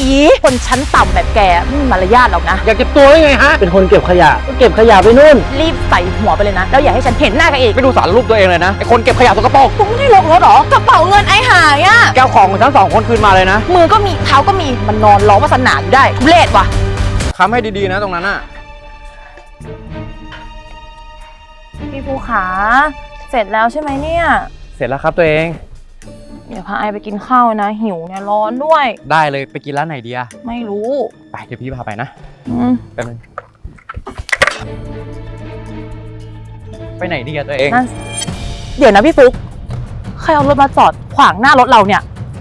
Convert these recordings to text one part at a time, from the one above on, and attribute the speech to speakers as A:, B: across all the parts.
A: อีคนชั้นต่ำแบบแกไม่มีมารยาทหรอกนะ
B: อยากเก็บตัวได้ไงฮะเป็นคนเก็บขยะก็เก็บขยะไปนู่น
A: รีบใส่หัวไปเลยนะแล้วอย่าให้ฉันเห็นหน้ากันอีก
B: ไม่ดูสารรูปตัวเองเลยนะไอคนเก็บขยะสกปรก
A: กูไม่ได้ลงรถหรอกระเป๋าเงินไอ้หายอ่ะ
B: แก้วของทั้ง2 คนคืนมาเลยนะ
A: มือก็มีเท้าก็มีมันนอนร้องวาสนาอยู่ได้ทุเรศว่ะ
B: ค้ำให้ดีๆนะตรงนั้นน่ะ
A: พี่ภูขาเสร็จแล้วใช่ไหมเนี่ย
B: เสร็จแล้วครับตัวเอง
A: เดี๋ยวพาไอไปกินข้าวนะหิวเนี่ยร้อนด้วย
B: ได้เลยไปกินร้านไหนดีอะ
A: ไม่รู้
B: ไปเดี๋ยวพี่พาไปนะแป๊บนึงไปไหนดีอะตัวเอง
A: เดี๋ยวนะพี่ฟุ๊กใครเอารถมาจอดขวางหน้ารถเราเนี่ย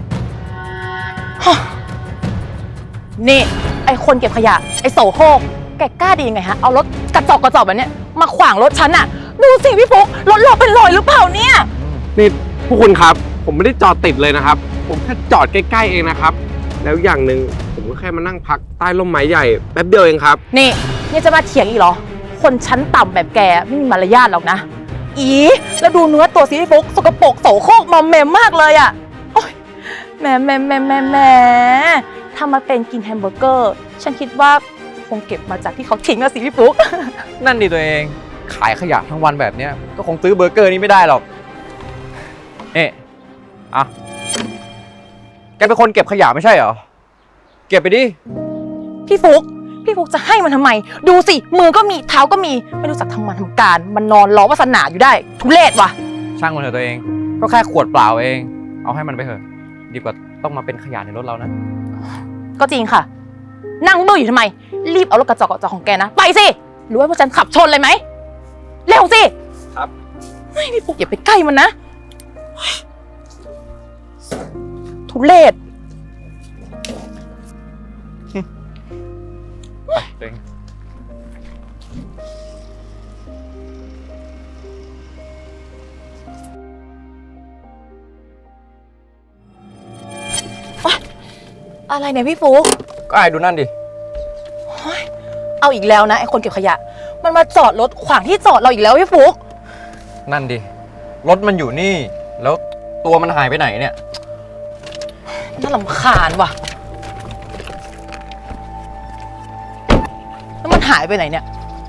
A: นี่ไอคนเก็บขยะไอโสโครกแกกล้าดียังไงฮะเอารถกระจอกแบบเนี้ยมาขวางรถฉันอะดูสิพี่ฟุ๊กรถเราเป็นรอยหรือเปล่าเนี่ย
C: นี่พวกคุณครับผมไม่ได้จอดติดเลยนะครับผมแค่จอดใกล้ๆเองนะครับแล้วอย่างหนึ่งผมก็แค่มานั่งพักใต้ร่มไม้ใหญ่แป๊บเดียวเองครับ
A: นี่จะมาเถียงอีกเหรอคนชั้นต่ำแบบแกไม่มีมารยาทหรอกนะอีแล้วดูเนื้อตัวสิพี่ฟุ๊กสกปรกโสโครกมอมแมมมากเลยอะโอ๊ยแหมถ้ามาเป็นกินแฮมเบอร์เกอร์ฉันคิดว่าคงเก็บมาจากที่เขาทิ้งอะสิพี่ฟุ๊ก
B: นั่นดิตัวเองขายขยะทั้งวันแบบเนี้ยก็คงซื้อเบอร์เกอร์นี้ไม่ได้หรอกอ่ะแกเป็นคนเก็บขยะไม่ใช่เหรอเก็บไปดิ
A: พี่ฟุ๊กจะให้มันทำไมดูสิมือก็มีเท้าก็มีไม่รู้จักทำงานทำการมันนอนรอวาสนาอยู่ได้ทุเรศว่ะ
B: ช่างมันเถอะตัวเองก็แค่ขวดเปล่าเองเอาให้มันไปเถอะดีกว่าต้องมาเป็นขยะในรถเรานะ
A: ก็จริงค่ะนั่งเบื่ออยู่ทำไมรีบเอารถกระจอกของแกนะไปสิหรือว่าพวกฉันขับชนเลยไหมเร็วสิ
B: ครับ
A: ไม่พี่ฟุ๊กอย่าไปใกล้มันนะทุเรศ
B: ไปตัวเอง
A: อะไรเนี่ยพี่ฟุ๊ก
B: ก็ไอ้ดูนั่นดิ
A: เอาอีกแล้วนะไอ้คนเก็บขยะมันมาจอดรถขวางที่จอดเราอีกแล้วพี่ฟุ๊ก
B: นั่นดิรถมันอยู่นี่แล้วตัวมันหายไปไหนเนี่ย
A: น่ารำคาญว่ะแล้วมันหายไปไหนเนี่ย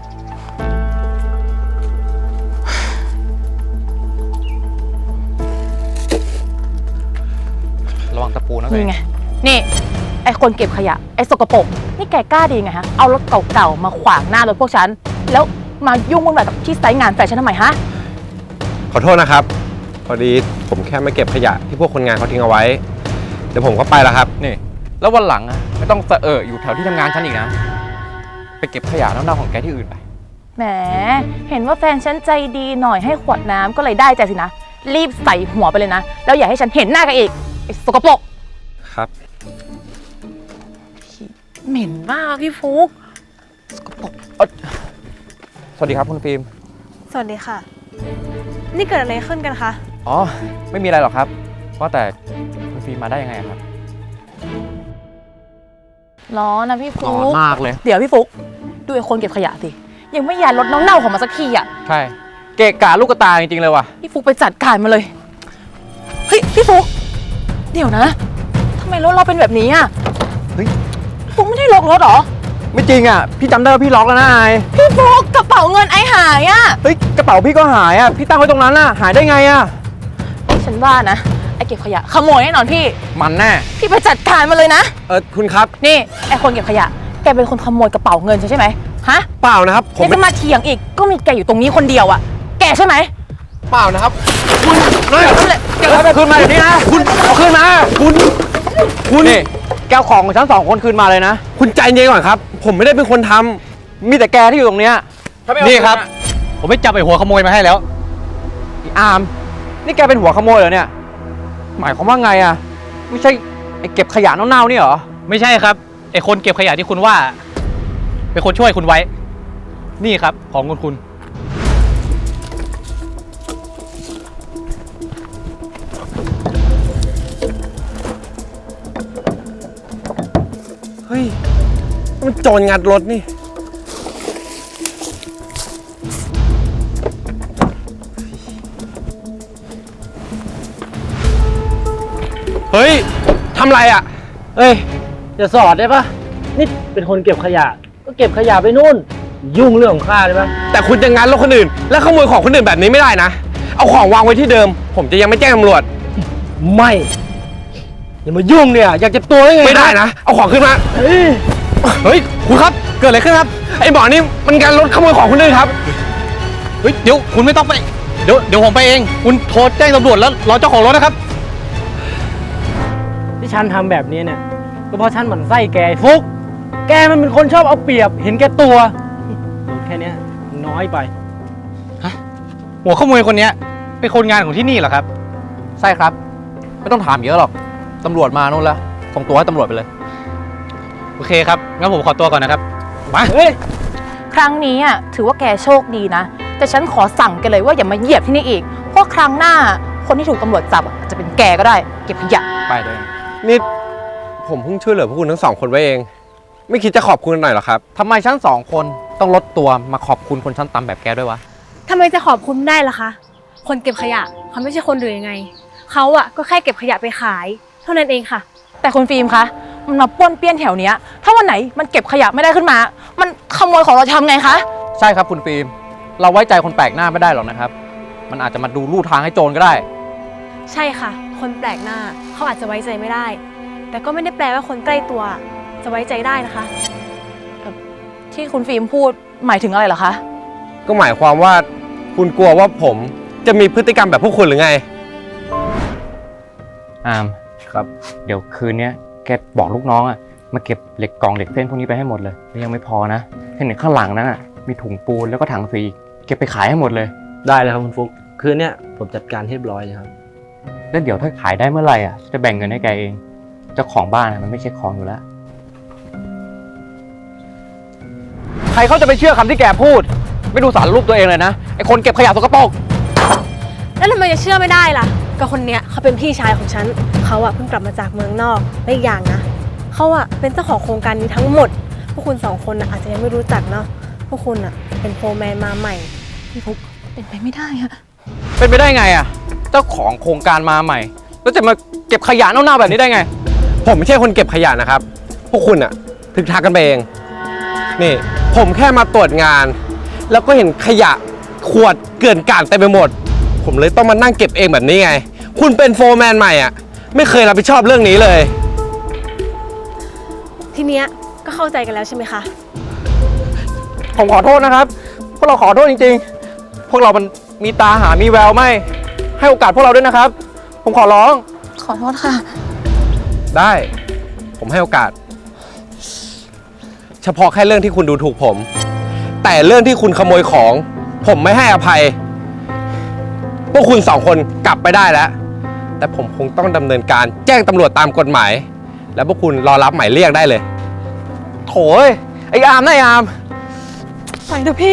B: ระวังตะปูนะ
A: นี่ไงนี่ไอคนเก็บขยะไอสกปรกนี่แกกล้าดีไงฮะเอารถเก่าๆมาขวางหน้ารถพวกฉันแล้วมายุ่งวุ่นวายกับที่ไซต์งานแฟชั่นทำไมฮะ
C: ขอโทษนะครับพอดีผมแค่มาเก็บขยะที่พวกคนงานเขาทิ้งเอาไว้เดี๋ยวผมก็ไปแล้วครับ
B: นี่แล้ววันหลังอะไม่ต้องอยู่แถวที่ทำงานฉันอีกนะไปเก็บขยะเน่าๆของแกที่อื่นไป
A: แหมเห็นว่าแฟนฉันใจดีหน่อยให้ขวดน้ำก็เลยได้ใจสินะรีบใส่หัวไปเลยนะแล้วอย่าให้ฉันเห็นหน้ากันอีกไอ้สกปรก
C: ครับ
A: เหม็นมากพี่ฟุ๊กสกปรก
B: สวัสดีครับคุณฟิล์ม
D: สวัสดีค่ะนี่เกิดอะไรขึ้นกันคะ
B: อ๋อไม่มีอะไรหรอกครับว่าแต่คุณฟิล์มมาได้ยังไงครับ
A: ร้อนนะพี่ฟุ๊ก
B: ร้อนมากเลย
A: เดี๋ยวพี่ฟุ๊กดูไอ้คนเก็บขยะสิยังไม่ย้ายรถเน่าๆของมันสักทีอ่ะ
B: ใช่เกะกะลูกตาจริงๆเลยว่ะ
A: พี่ฟุ๊กไปจัดการมาเลยเฮ้ยพี่ฟุ๊กเดี๋ยวนะทำไมรถเราเป็นแบบนี้อ่ะ
B: เฮ้ย
A: ฟุ๊กไม่ได้ล็อกรถหรอ
B: ไม่จริงอ่ะพี่จำได้ว่าพี่ล็อกแล้วนะไอ
A: พี่ฟุ๊กกระเป๋าเงินไอหายอ่ะ
B: เฮ้ยกระเป๋าพี่ก็หายอ่ะพี่ตั้งไว้ตรงนั้นอ่ะหายได้ไงอ่ะ
A: ฉันว่านะไอเก็บขยะขโมยแน่นอนพี่
B: มันแน่
A: พี่ไปจัดการมาเลยนะ
C: คุณครับ
A: นี่ไอคนเก็บขยะแกเป็นคนขโมยกระเป๋าเงินใช่ไหมฮะ
C: เปล่านะครับ
A: ผมจะมาเถียงอีกก็มีแกอยู่ตรงนี้คนเดียวอ่ะแกใช่ไหม
C: เปล่านะครับ
B: คุณเก็บไปคืนมาเดี๋ยวนี้นะคุณเอาคืนมาคุณนี่แก้วของฉัน2 คนคืนมาเลยนะ
C: คุณใจเย็นก่อนครับผมไม่ได้เป็นคนทำ
B: มีแต่แกที่อยู่ตรงเนี้ย
C: นี่ครับ
B: ผมไม่จับไอ้หัวขโมยมาให้แล้วอาร์มนี่แกเป็นหัวขโมยเหรอเนี่ยหมายความว่าไงอ่ะไม่ใช่ไอ้เก็บขยะเน่าๆนี่เหรอ
E: ไม่ใช่ครับไอ้คนเก็บขยะที่คุณว่าเป็นคนช่วยคุณไว้นี่ครับของคุณ
C: เฮ้ยมันโจรงัดรถนี่เฮ้ยทำไรอ่ะ
B: เฮ้ย
F: จะสอดได้ปะนี่เป็นคนเก็บขยะ ก็เก็บขยะไปนู่น ยุ่งเรื่องของข้าได้ปะ
C: แต่คุณจะงัดรถคนอื่น และขโมยของคนอื่นแบบนี้ไม่ได้นะ เอาของวางไว้ที่เดิม ผมจะยังไม่แจ้งตำรวจ
F: ไม่ อย่ามายุ่งเนี่ย อยากเจ็บตัวได้ไง
C: ไม่ได้นะ เอาของขึ้นมา
F: เฮ้ย
C: เฮ้ย คุณครับ เกิดอะไรขึ้นครับ ไอ้หมอนี่มันการรถขโมยของคนอื่นครับ
E: เฮ้ย เดี๋ยวคุณไม่ต้องไป เดี๋ยวผมไปเอง คุณโทรแจ้งตำรวจแล้วรอเจ้าของรถนะครับ
F: ที่ฉันทำแบบนี้เนี่ย ก็เพราะฉันหมั่นไส้แกไอ้ฟุก แกมันเป็นคนชอบเอาเปรียบ เห็นแก่ตัวโดนแค่เนี้ยน้อยไป
E: หัวขโมยคนเนี้ยเป็นคนงานของที่นี่เหรอครับ
B: ใช่ครับ ไม่ต้องถามเยอะหรอก ตำรวจมานู่นแล้วส่งตัวให้ตำรวจไปเลย
E: โอเคครับ งั้นผมขอตัวก่อนนะครับ มา
F: เฮ้ย
A: ครั้งนี้อ่ะถือว่าแกโชคดีนะ แต่ฉันขอสั่งแกเลยว่าอย่ามาเหยียบที่นี่อีก เพราะครั้งหน้าคนที่ถูกตำรวจจับอะอาจจะเป็นแกก็ได้ เก็บขยะ
B: ไปเลย
C: นี่ผมเพิ่งช่วยเหลือพวกคุณทั้งสองคนไว้เอง ไม่คิดจะขอบคุณหน่อยเหรอครับ
B: ทำไมฉันสองคนต้องลดตัวมาขอบคุณคนชั้นต่ำแบบแกด้วยวะ
D: ทำไมจะขอบคุณได้ล่ะคะ คนเก็บขยะเขาไม่ใช่คนหรือยังไง เขาอะก็แค่เก็บขยะไปขาย เท่านั้นเองค่ะ
A: แต่คุณฟิล์มคะ มันมาป้วนเปี้ยนแถวเนี้ย ถ้าวันไหนมันเก็บขยะไม่ได้ขึ้นมา มันขโมยของเราจะทำไงคะ
B: ใช่ครับคุณฟิล์ม เราไว้ใจคนแปลกหน้าไม่ได้หรอกนะครับ มันอาจจะมาดูลู่ทางให้โจรก็ได้
D: ใช่ค่ะ คนแปลกหน้าเขาอาจจะไว้ใจไม่ได้ แต่ก็ไม่ได้แปลว่าคนใกล้ตัวจะไว้ใจได้นะคะ
A: ที่คุณฟิล์มพูดหมายถึงอะไรเหรอคะ
C: ก็หมายความว่าคุณกลัวว่าผมจะมีพฤติกรรมแบบพวกคุณหรือไง
B: อามครับ เดี๋ยวคืนนี้แกบอกลูกน้องอะมาเก็บเหล็กกล่องเหล็กเส้นพวกนี้ไปให้หมดเลยแล้วยังไม่พอนะเห็นข้างหลังนั้นอะมีถุงปูนแล้วก็ถังสีอีกเก็บไปขายให้หมดเลย
F: ได้เลยครับคุณฟุก คืนเนี้ยผมจัดการให้เรียบร้อยเลยครับ
B: แล้วเดี๋ยวถ้าขายได้เมื่อไหร่อะจะแบ่งเงินให้แกเองเจ้าของบ้านอะมันไม่ใช่ของอยู่แล้ว ใครเขาจะไปเชื่อคำที่แกพูด ไม่ดูสารรูปตัวเองเลยนะไอคนเก็บขยะสกปรก
D: แล้วทำไมจะเชื่อไม่ได้ล่ะก็คนเนี้ยเขาเป็นพี่ชายของฉันเขาอะเพิ่งกลับมาจากเมืองนอกและอีกอย่างนะเขาอะเป็นเจ้าของโครงการนี้ทั้งหมด พวกคุณสองคนอะอาจจะยังไม่รู้จักเนาะพวกคุณอะเป็นโฟร์แมนมาใหม่
A: พี่ฟุกเป็นไปไม่ได้อะ
B: เป็นไปได้ไงอะเจ้าของโครงการมาใหม่แล้วจะมาเก็บขยะเน่าๆแบบนี้ได้ไง
C: ผมไม่ใช่คนเก็บขยะนะครับ พวกคุณอะทึกทักกันไปเอง นี่ผมแค่มาตรวจงาน แล้วก็เห็นขยะขวดเกลื่อนกลาดเต็มไปหมด ผมเลยต้องมานั่งเก็บเองแบบนี้ไง คุณเป็นโฟร์แมนใหม่อะไม่เคยรับผิดชอบเรื่องนี้เลย
D: ทีเนี้ยก็เข้าใจกันแล้วใช่ไหมคะ
B: ผมขอโทษนะครับ พวกเราขอโทษจริงๆ พวกเรามันมีตาหามีแววไม่ ให้โอกาสพวกเราด้วยนะครับ ผมขอร้อง
A: ขอโทษค่ะ
C: ได้ ผมให้โอกาส เฉพาะแค่เรื่องที่คุณดูถูกผม แต่เรื่องที่คุณขโมยของ ผมไม่ให้อภัย พวกคุณสองคนกลับไปได้แล้ว แต่ผมคงต้องดำเนินการแจ้งตำรวจตามกฎหมาย แล้วพวกคุณรอรับหมายเรียกได้เลย
B: โถยไอ้อามนะไอ้อาม
A: ไปเถอะพี่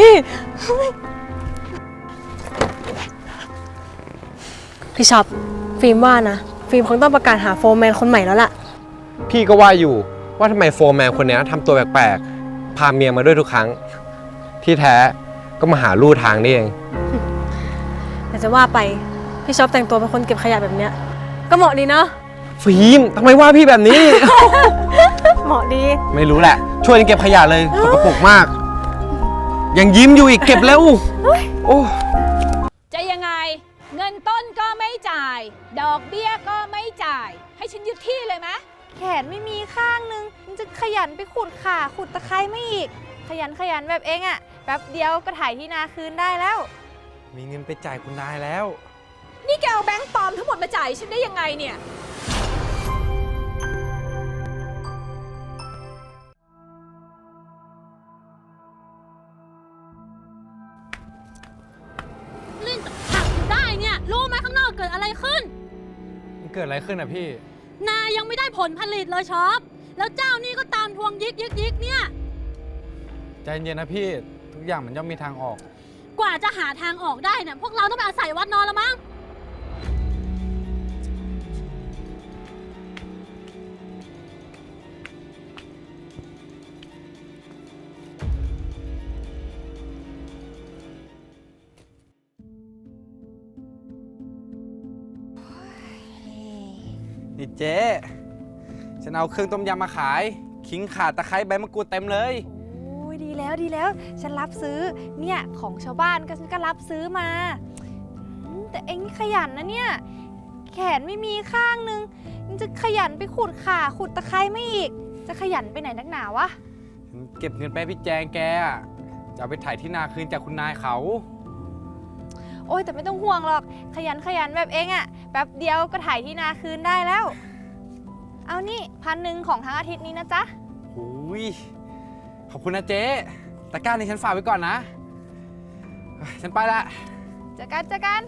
D: พี่ช็อปฟิล์มว่านะฟิล์มคงต้องประกาศหาโฟร์แมนคนใหม่แล้วล่ะ
C: พี่ก็ว่าอยู่ว่าทำไมโฟร์แมนคนนี้ทำตัวแปลกๆ พาเมียมาด้วยทุกครั้ง ที่แท้ก็มาหาลู่ทางนี่เอง
D: แต่จะว่าไปพี่ช็อปแต่งตัวเป็นคนเก็บขยะแบบเนี้ยก็เหมาะดีเนาะ
C: ฟิล์มทำไมว่าพี่แบบนี้
D: เหมาะดี
C: ไม่รู้แหละ ช่วยกันเก็บขยะเลยสกปรกมาก ยังยิ้มอยู่อีกเก็บแล้วโอ้
G: จะยังไงเงินต้นก็ไม่จ่าย ดอกเบี้ยก็ไม่จ่าย ให้ฉันยึดที่เลยไหม
H: แขนไม่มีข้างนึงมันจะขยันไปขุดข่าขุดตะไคร้ไม่อีก ขยันแบบเองอะแป๊บเดียวก็ถ่ายที่นาคืนได้แล้ว
C: มีเงินไปจ่ายคุณนายแล้ว
G: นี่แกเอาแบงค์ปลอมทั้งหมดมาจ่ายฉันได้ยังไงเนี่ย
I: เล่นกับผักอยู่ได้เนี่ยรู้ไหมข้างนอกเกิดอะไรขึ้น
B: มันเกิดอะไรขึ้นอ่ะพี่
I: นายังไม่ได้ผลผลิตเลยช็อปแล้วเจ้านี่ก็ตามทวงยิกเนี่ย
B: ใจเย็นนะพี่ ทุกอย่างมันย่อมมีทางออก
I: กว่าจะหาทางออกได้เนี่ยพวกเราต้องไปอาศัยวัดนอนแล้วมั้ง
J: นี่เจ๊
C: ฉันเอาเครื่องต้มยำมาขาย ขิงข่าตะไคร้ใบมะกรูดเต็มเลย
H: โอ้ยดีแล้วดีแล้ว ฉันรับซื้อเนี่ยของชาวบ้านก็ฉันก็รับซื้อมาแต่เอ็งนี่ขยันนะเนี่ยแขนไม่มีข้างนึงยังจะขยันไปขุดข่าขุดตะไคร้ไม่อีกจะขยันไปไหนนักหนาวะ
C: ฉันเก็บเงินไปให้พี่แจงแกอะจะเอาไปถ่ายที่นาคืนจากคุณนายเขา
H: โอ้ยแต่ไม่ต้องห่วงหรอกขยันแบบเอ็งอะแป๊บเดียวก็ถ่ายที่นาคืนได้แล้ว เอานี่1,000ของทั้งอาทิตย์นี้นะจ๊ะ
C: หูยขอบคุณนะเจ๊ตะกร้านี้ฉันฝากไว้ก่อนนะ ฉันไปละ
H: เจอกัน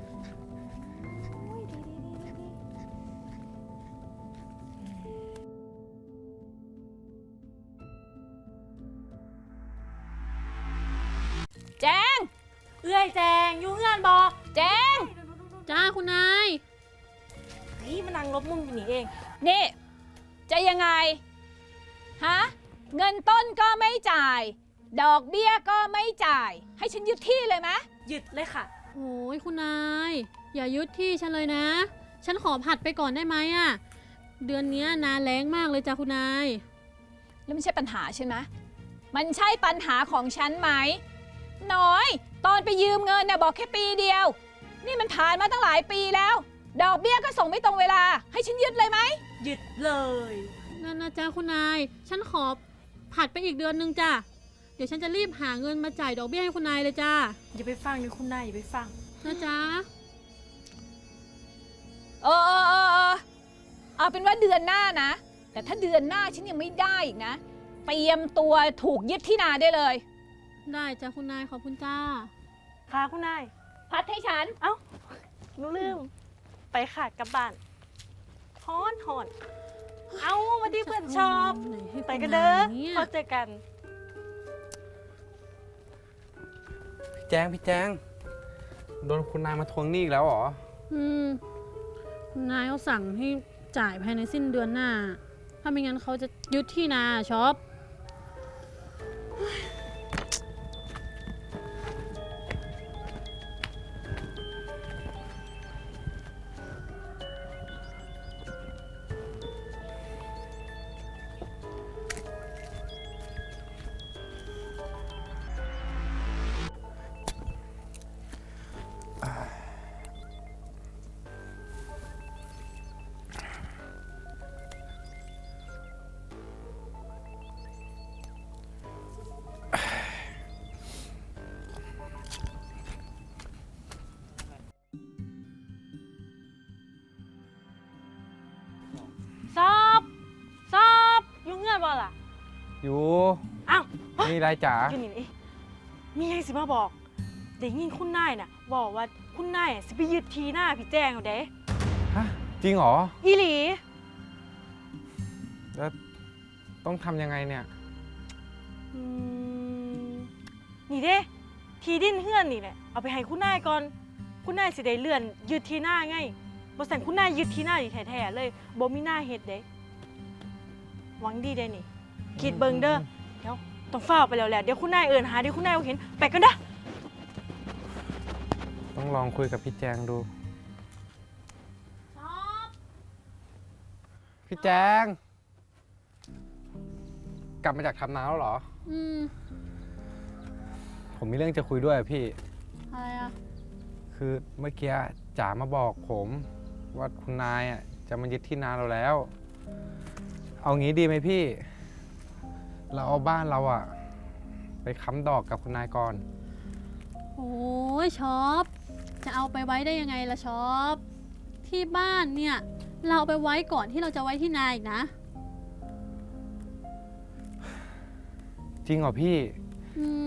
G: แจง
I: เอื้อยแจงอยู่เงื่อนบอก
G: แจง
I: จ้าคุณนาย
D: เฮ้ยมันนั่งลบมุมอยู่นี่เอง
G: นี่ จะยังไง ฮะ เงินต้นก็ไม่จ่าย ดอกเบี้ยก็ไม่จ่าย ให้ฉันยึดที่เลยไหม
D: ยึดเลยค่ะ
I: โอ้ยคุณนาย อย่ายึดที่ฉันเลยนะ ฉันขอผัดไปก่อนได้ไหมอะเดือนเนี้ยนาแรงมากเลยจ้าคุณนาย
G: แล้วไม่ใช่ปัญหาใช่ไหมมันใช่ปัญหาของฉันไหม น้อย ตอนไปยืมเงินเนี่ยบอกแค่ปีเดียว นี่มันผ่านมาตั้งหลายปีแล้ว ดอกเบี้ยก็ส่งไม่ตรงเวลา ให้ฉันยึดเลยไหม
D: ยึดเลย
I: นั่นนะจ้าคุณนาย ฉันขอผัดไปอีกเดือนนึงจ้าเดี๋ยวฉันจะรีบหาเงินมาจ่ายดอกเบี้ยให้คุณนายเลยจ้า
D: อย่าไปฟังเลยคุณนายอย่าไปฟัง
I: นะจ๊ะ
G: เออเอาเป็นว่าเดือนหน้านะ แต่ถ้าเดือนหน้าฉันยังไม่ได้อีกนะ เตรียมตัวถูกยึดที่นาได้เลย
I: ได้จ้าคุณนายขอบคุณจ้า
D: ค่ะคุณนาย
G: พัดให้ฉัน
D: หนูลืม ไปค่ะกลับบ้านฮอนเอามาที่เพื่อนชอบ
I: ไหนให้
D: ไปกันเด้อ
I: คุณนายเนี่ย
D: พอเจอกัน
C: พี่แจง โดนคุณนายมาทวงหนี้อีกแล้วเหรอ
I: คุณนายเขาสั่งให้จ่ายภายในสิ้นเดือนหน้า ถ้าไม่งั้นเขาจะยึดที่นาช็อป
D: ซอบยุ่งเงื่อนบ่ล่ะ
C: อยู่
D: อ้าว
C: นี่ไรจ๋า
D: อยู่นี่นี่มีอะไรสิมาบอกเด็กยินคุณนายน่ะบอกว่าคุณนายสิไปยึดทีหน้าพี่แจงเอาเด้
C: ฮะ จริงเหรอ
D: อีหลี
C: แล้วต้องทำยังไงเนี่ย
D: อืมนี่เด้ทีดินเฮือนนี่แหละเอาไปให้คุณนายก่อน คุณนายสิได้เลื่อนยึดทีหน้าไงบ่สั่นคุณนายยึดทีหน้าดิแท้ๆเลยบ่มีหน้าเฮ็ดเด้หวังดีได้นี่ คิดเบิ่งเด้อเดี๋ยวต้องฟ้าวไปแล้วแหละเดี๋ยวคุณนายเอิ้นหาเดี๋ยวคุณนายบ่เห็นไปกันเด้อ
C: ต้องลองคุยกับพี่แจงดู พี่แจง กลับมาจากทำนาแล้วเหรอ
I: อืม
C: ผมมีเรื่องจะคุยด้วยอะพี่
I: อะไรอะ
C: คือเมื่อกี้จ๋ามาบอกผมว่าคุณนายอ่ะจะมายึดที่นาเราแล้ว เอางี้ดีไหมพี่ เราเอาบ้านเราอ่ะไปค้ำดอกกับคุณนายก่อน
I: โอ้ยช็อป จะเอาไปไว้ได้ยังไงล่ะช็อป ที่บ้านเนี่ย เราเอาไปไว้ก่อนที่เราจะไว้ที่นาอีกนะ
C: จริงเหรอพี่
I: อืม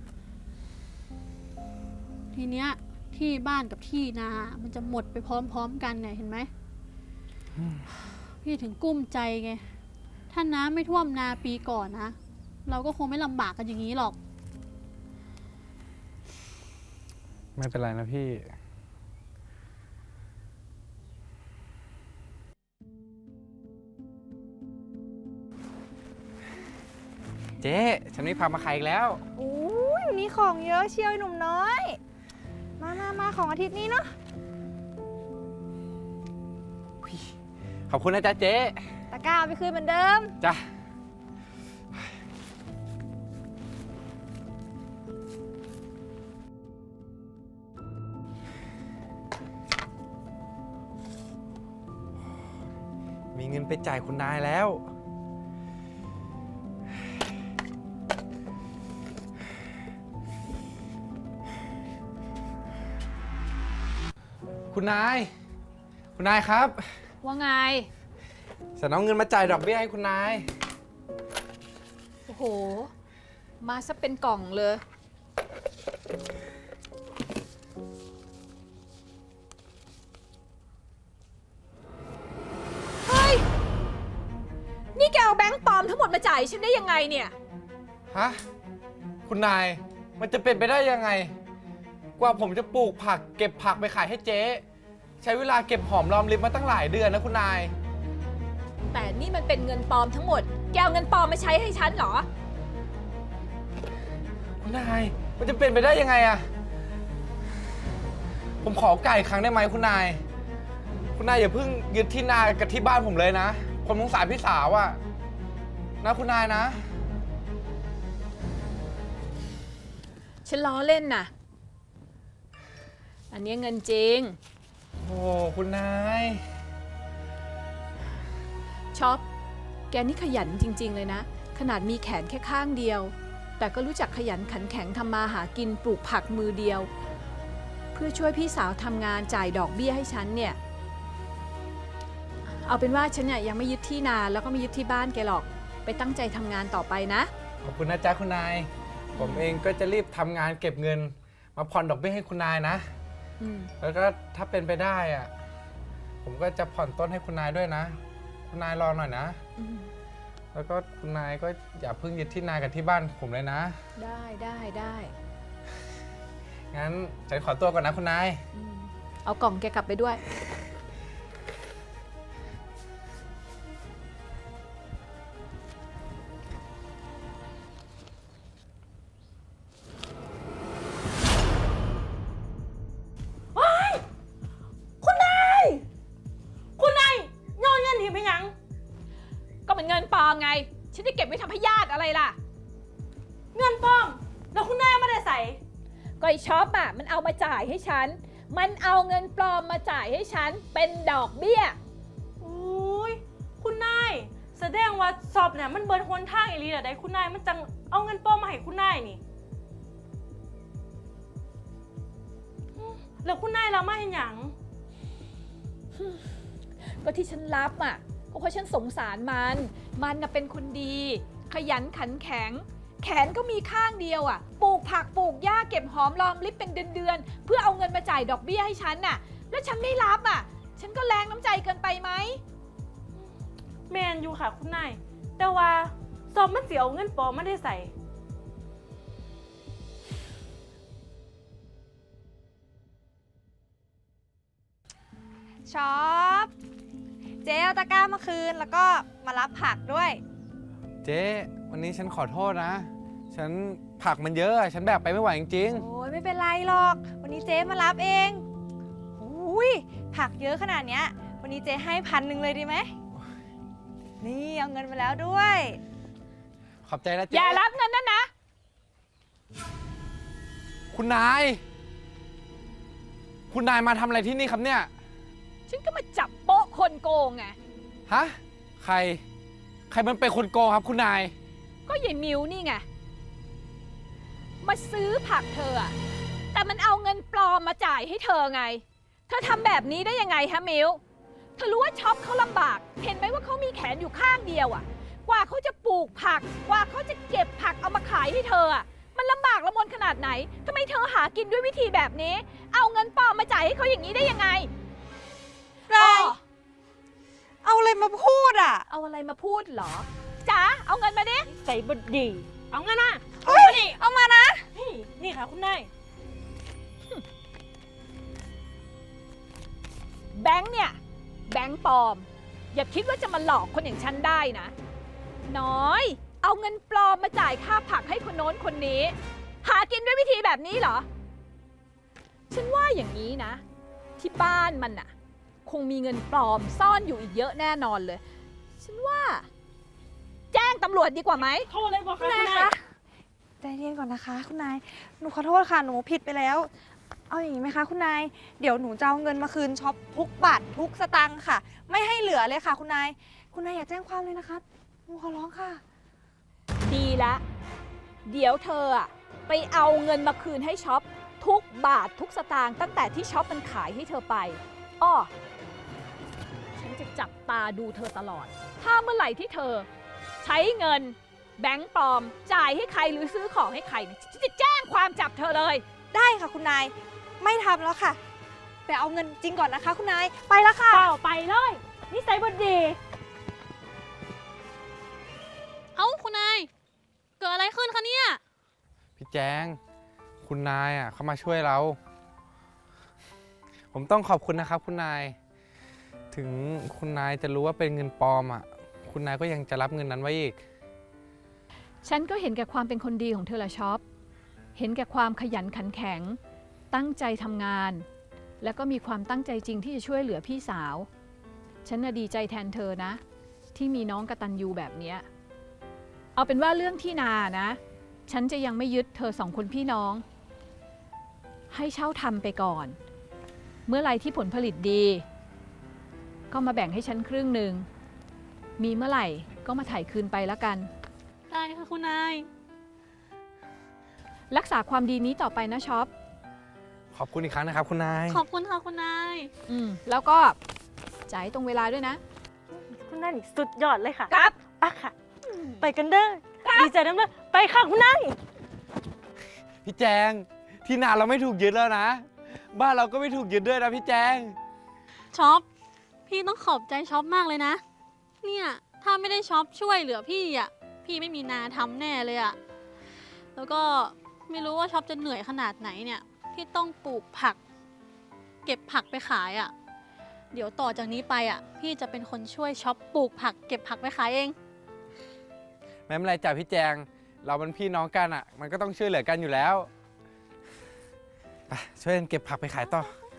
I: ทีเนี้ยที่บ้านกับที่นา มันจะหมดไปพร้อมๆกันเนี่ยเห็นไหม พี่ถึงกุ้มใจไง ถ้าน้ำไม่ท่วมนาปีก่อนนะ เราก็คงไม่ลำบากกันอย่างนี้หรอก
C: ไม่เป็นไรนะพี่ เจ๊ฉันไม่พามาขายอีกแล้ว
H: อุ้ยวันนี้ของเยอะเชียวไอ้หนุ่มน้อย มาของอาทิตย์นี้เนาะ
C: ขอบคุณนะจ๊ะเจ๊
H: ตะกร้าเอาไปคืนเหมือนเดิม
C: จ้ะ มีเงินไปจ่ายคุณนายแล้ว คุณนาย คุณนายครับ
G: ว่าไง
C: ฉันเอาเงินมาจ่ายดอกเบี้ยให้คุณนาย
G: โอ้โห มาซะเป็นกล่องเลย เฮ้ย นี่แกเอาแบงค์ปลอมทั้งหมดมาจ่ายฉันได้ยังไงเนี่ย
C: ฮะ คุณนาย มันจะเป็นไปได้ยังไง กว่าผมจะปลูกผักเก็บผักไปขายให้เจ๊ ใช้เวลาเก็บหอมรอมริบมาตั้งหลายเดือนนะคุณนาย
G: แต่นี่มันเป็นเงินปลอมทั้งหมด แกเอาเงินปลอมมาใช้ให้ฉันเหรอ
C: คุณนาย มันจะเป็นไปได้ยังไงอะผมขอไก่ครั้งได้ไหมคุณนาย คุณนายอย่าเพิ่งยึดที่นากับที่บ้านผมเลยนะ ผมสงสารพี่สาวอะนะคุณนายนะ
G: ฉันล้อเล่นน่ะ อันนี้เงินจริง
C: โอ้คุณนาย
G: ช็อป แกนี่ขยันจริง ๆ เลยนะ ขนาดมีแขนแค่ข้างเดียว แต่ก็รู้จักขยันขันแข็งทำมาหากินปลูกผักมือเดียว เพื่อช่วยพี่สาวทำงานจ่ายดอกเบี้ยให้ฉันเนี่ย เอาเป็นว่าฉันเนี่ยยังไม่ยึดที่นาแล้วก็ไม่ยึดที่บ้านแกหรอก ไปตั้งใจทำงานต่อไปนะ
C: ขอบคุณนะจ๊ะคุณนาย ผมเองก็จะรีบทำงานเก็บเงิน มาผ่อนดอกเบี้ยให้คุณนายนะ
G: อืม
C: แล้วก็ถ้าเป็นไปได้อะผมก็จะผ่อนต้นให้คุณนายด้วยนะ คุณนายรอหน่อยนะ
G: อืม
C: แล้วก็คุณนายก็อย่าเพิ่งยึดที่นากับที่บ้านผมเลยนะ
G: ได้ได้ได้
C: งั้นฉันขอตัวก่อนนะคุณนาย
G: อืมเอากล่องแกกลับไปด้วย
D: คุณนายโยนเงินหนีไปยัง
G: ก็เป็นเงินปลอมไง ฉันจะเก็บไว้ทำให้ญาติอะไรล่ะ
D: เงินปลอม แล้วคุณนายเอามาได้ใส่
G: ก็ไอช็อปอ่ะมันเอามาจ่ายให้ฉัน มันเอาเงินปลอมมาจ่ายให้ฉันเป็นดอกเบี้ย
D: อุ้ยคุณนายแสดงว่าสอบเนี่ยมันเบิร์นหนทางอีหลีแต่ใดคุณนายมันจังเอาเงินปลอมมาให้คุณนายนี่แล้วคุณนายรับมาเห็นหยัง
G: ก็ที่ฉันรับอ่ะก็เพราะฉันสงสารมัน มันน่ะเป็นคนดี ขยันขันแข็ง แขนก็มีข้างเดียวอ่ะ ปลูกผักปลูกหญ้าเก็บหอมรอมริบเป็นเดือนๆ เพื่อเอาเงินมาจ่ายดอกเบี้ยให้ฉันน่ะ แล้วฉันไม่รับอ่ะ ฉันก็แรงน้ำใจเกินไปไหม
D: แมนอยู่ค่ะคุณนาย แต่ว่าสอบมันเสียเอาเงินปลอมมาได้ใส่
H: ช็อป เจ๊เอาตะกร้ามาคืนแล้วก็มารับผักด้วย
C: เจ๊วันนี้ฉันขอโทษนะ ฉันผักมันเยอะ ฉันแบกไปไม่ไหวจริง
H: โอ้ยไม่เป็นไรหรอก วันนี้เจ๊มารับเองอุ้ยผักเยอะขนาดเนี้ย วันนี้เจ๊ให้1,000เลยดีไหม นี่เอาเงินมาแล้วด้วย
C: ๆ ขอบใจนะเจ๊
G: อย่ารับเงินนั่นนะ
C: คุณนาย คุณนายมาทำอะไรที่นี่ครับเนี่ย
G: ฉันก็มาจับโป๊ะคนโกงไง
C: ฮะ ใครมันเป็นคนโกงครับคุณนาย
G: ก็ยายมิวนี่ไง มาซื้อผักเธออะแต่มันเอาเงินปลอมมาจ่ายให้เธอไง เธอทำแบบนี้ได้ยังไงฮะมิว เธอรู้ว่าช็อปเขาลำบาก เห็นไหมว่าเขามีแขนอยู่ข้างเดียวอะกว่าเขาจะปลูกผัก กว่าเขาจะเก็บผักเอามาขายให้เธออะมันลำบากละมนขนาดไหนทำไมเธอหากินด้วยวิธีแบบนี้ เอาเงินปลอมมาจ่ายให้เขาอย่างนี้ได้ยังไง
H: ไร เอาอะไรมาพูดอ่ะ
G: เอาอะไรมาพูดเหรอจ๋าเอาเงินมาดิ
D: ใส่บดี เอาเงินมา
H: เฮ้ย เอามานะ
D: นี่ค่ะคุณนาย
G: แบงค์เนี่ย แบงค์ปลอม อย่าคิดว่าจะมาหลอกคนอย่างฉันได้นะ น้อย เอาเงินปลอมมาจ่ายค่าผักให้คนโน้นคนนี้ หากินด้วยวิธีแบบนี้เหรอ ฉันว่าอย่างนี้นะ ที่บ้านมันน่ะ คงมีเงินปลอมซ่อนอยู่อีกเยอะแน่นอนเลยฉันว่า แจ้งตำรวจดีกว่าไหม
H: คุณนายคะใจเย็นก่อนนะคะคุณนาย หนูขอโทษค่ะ หนูผิดไปแล้ว เอาอย่างนี้ไหมคะคุณนาย เดี๋ยวหนูจะเอาเงินมาคืนช็อปทุกบาททุกสตางค์ค่ะ ไม่ให้เหลือเลยค่ะ คุณนาย คุณนายอย่าแจ้งความเลยนะคะ หนูขอร้องค่ะ
G: ดีละ เดี๋ยวเธออะไปเอาเงินมาคืนให้ช็อปทุกบาททุกสตางค์ตั้งแต่ที่ช็อปมันขายให้เธอไปอ้อฉันจะจับตาดูเธอตลอด ถ้าเมื่อไหร่ที่เธอ ใช้เงินแบงก์ปลอม จ่ายให้ใครหรือซื้อของให้ใครเนี่ยฉันจะแจ้งความจับเธอเลย
H: ได้ค่ะคุณนาย ไม่ทำแล้วค่ะ ไปเอาเงินจริงก่อนนะคะ คุณนาย ไปแล้วค่ะ
D: ไปเลยนิสัยบดี
I: เอ้าคุณนาย เกิดอะไรขึ้นคะเนี่ย
C: พี่แจง คุณนายอ่ะเขามาช่วยเรา ผมต้องขอบคุณนะครับคุณนาย ถึงคุณนายจะรู้ว่าเป็นเงินปลอมอ่ะ คุณนายก็ยังจะรับเงินนั้นไว้อีก
G: ฉันก็เห็นแก่ความเป็นคนดีของเธอละช็อป เห็นแก่ความขยันขันแข็ง ตั้งใจทำงาน แล้วก็มีความตั้งใจจริงที่จะช่วยเหลือพี่สาว ฉันน่ะดีใจแทนเธอนะ ที่มีน้องกตัญญูแบบเนี้ย เอาเป็นว่าเรื่องที่นานะ ฉันจะยังไม่ยึดเธอ2 คนพี่น้อง ให้เช่าทำไปก่อน เมื่อไรที่ผลผลิตดี ก็มาแบ่งให้ฉันครึ่งหนึ่ง มีเมื่อไหร่ก็มาถ่ายคืนไปแล้วกัน
I: ได้ค่ะคุณนาย
G: รักษาความดีนี้ต่อไปนะช็อป
C: ขอบคุณอีกครั้งนะครับคุณนาย
I: ขอบคุณค่ะคุณนาย
G: แล้วก็จ่ายตรงเวลาด้วยนะ
D: คุณนายนี่สุดยอดเลยค่ะ
G: ครับ
D: ปะค่ะ ไปกันเด้อ ดีใจน้ำเด้อไปค่ะคุณนาย
C: พี่แจง ที่นาเราไม่ถูกยึดแล้วนะ บ้านเราก็ไม่ถูกยึดด้วยนะพี่แจง
I: ช็อป พี่ต้องขอบใจช็อปมากเลยนะ เนี่ยถ้าไม่ได้ช็อปช่วยเหลือพี่อ่ะ พี่ไม่มีนาทำแน่เลยอ่ะ แล้วก็ไม่รู้ว่าช็อปจะเหนื่อยขนาดไหนเนี่ย ที่ต้องปลูกผัก เก็บผักไปขายอ่ะ เดี๋ยวต่อจากนี้ไปอ่ะ พี่จะเป็นคนช่วยช็อปปลูกผัก เก็บผักไปขายเอง
C: ไม่เป็นไรจ้ะพี่แจง เราเป็นพี่น้องกันอ่ะ มันก็ต้องช่วยเหลือกันอยู่แล้วไปช่วยกันเก็บผักไปขายต่อ